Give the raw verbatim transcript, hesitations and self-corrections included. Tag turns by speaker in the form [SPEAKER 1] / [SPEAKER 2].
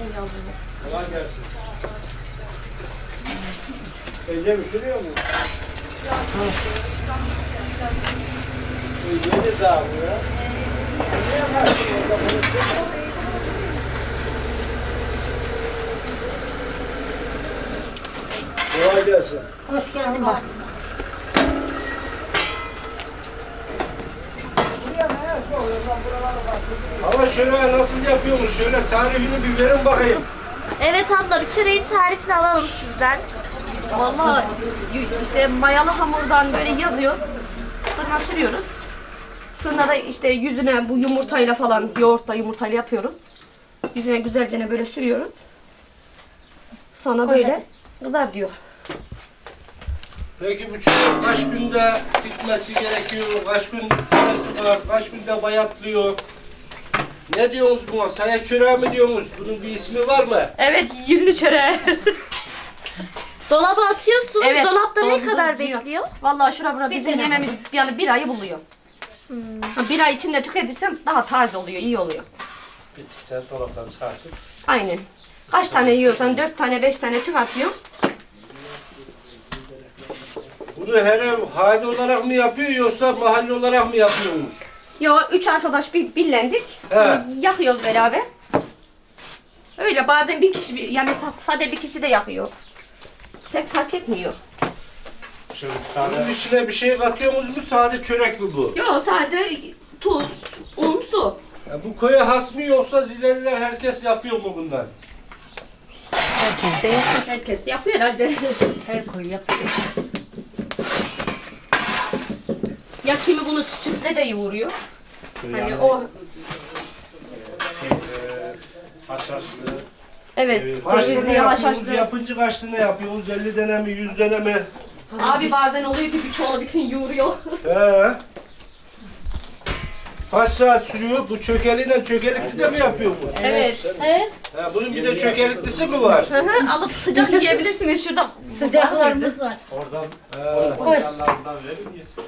[SPEAKER 1] Kolay gelsin. Ece mi sürüyor mu? Yeni daha bu ya. Ne yaparsın orada konuşuyor? Kolay gelsin.
[SPEAKER 2] Hoş geldin bak.
[SPEAKER 1] Ama şöyle nasıl yapıyormuş? Şöyle tarifini bir verin bakayım.
[SPEAKER 3] Evet abla, bir çöreğin tarifini alalım sizden.
[SPEAKER 4] Vallahi işte mayalı hamurdan böyle yazıyor. Fırına sürüyoruz. Fırına da işte yüzüne bu yumurtayla falan, yoğurtla yumurtayla yapıyoruz. Yüzüne güzelce böyle sürüyoruz. Sonra böyle kızar diyor.
[SPEAKER 1] Peki bu çörek kaç günde bitmesi gerekiyor? Kaç gün süresi var? Kaç günde bayatlıyor? Ne diyorsunuz buna? Saya çöreği mi diyorsunuz? Bunun bir ismi var mı?
[SPEAKER 4] Evet, yünlü çöreği.
[SPEAKER 3] Dolaba atıyorsunuz.
[SPEAKER 4] Evet,
[SPEAKER 3] Dolapta ne
[SPEAKER 4] dolduruyor.
[SPEAKER 3] kadar bekliyor?
[SPEAKER 4] Vallahi şura bura
[SPEAKER 2] Bir
[SPEAKER 4] bizim
[SPEAKER 2] sene.
[SPEAKER 4] yememiz yani bir ayı buluyor. Ha, bir ay içinde tüketirsem daha taze oluyor, iyi oluyor.
[SPEAKER 1] Bittikçe dolaptan çıkartıp.
[SPEAKER 4] Aynen. Kaç tane yiyorsan dört tane, beş tane çıkartıyor.
[SPEAKER 1] Bunu her ev hane olarak mı yapıyor yoksa mahalle olarak mı yapıyorsunuz?
[SPEAKER 4] Yo, üç arkadaş bir birlendik.
[SPEAKER 1] He.
[SPEAKER 4] Yakıyoruz beraber. Öyle bazen bir kişi, yani sade bir kişi de yakıyor. Pek fark etmiyor.
[SPEAKER 1] Bunun içine bir şey katıyorsunuz mu? Sade çörek mi bu?
[SPEAKER 4] Yo, sade tuz, un, su.
[SPEAKER 1] Ya bu köye has mı yoksa zileliler herkes yapıyor mu bundan?
[SPEAKER 2] Herkes de yapıyor.
[SPEAKER 4] Herkes yapıyor herhalde.
[SPEAKER 2] Her koyu yapıyor.
[SPEAKER 4] Ya kimi bunu sütle de yoğuruyor. Hani o,
[SPEAKER 1] Haşhaşlı.
[SPEAKER 4] evet,
[SPEAKER 1] Kaç
[SPEAKER 4] çeşitli
[SPEAKER 1] tane yapıyorsunuz?
[SPEAKER 4] haşhaşlı.
[SPEAKER 1] Yapınca kaç tane yapıyorsunuz? elli tane mi? yüz tane mi?
[SPEAKER 4] Abi bazen oluyor ki birçoğunu bütün yoğuruyor.
[SPEAKER 1] He. Kaç saat sürüyor? Bu çökeliyle çökelikli de mi yapıyorsunuz?
[SPEAKER 4] Evet.
[SPEAKER 2] Evet.
[SPEAKER 1] Ha, bunun bir de çökeliklisi mi var?
[SPEAKER 4] Hı hı, alıp sıcak yiyebilirsiniz şurada.
[SPEAKER 2] Sıcaklarımız var.
[SPEAKER 1] Oradan
[SPEAKER 2] Koy.
[SPEAKER 1] yanlarından verir miyiz?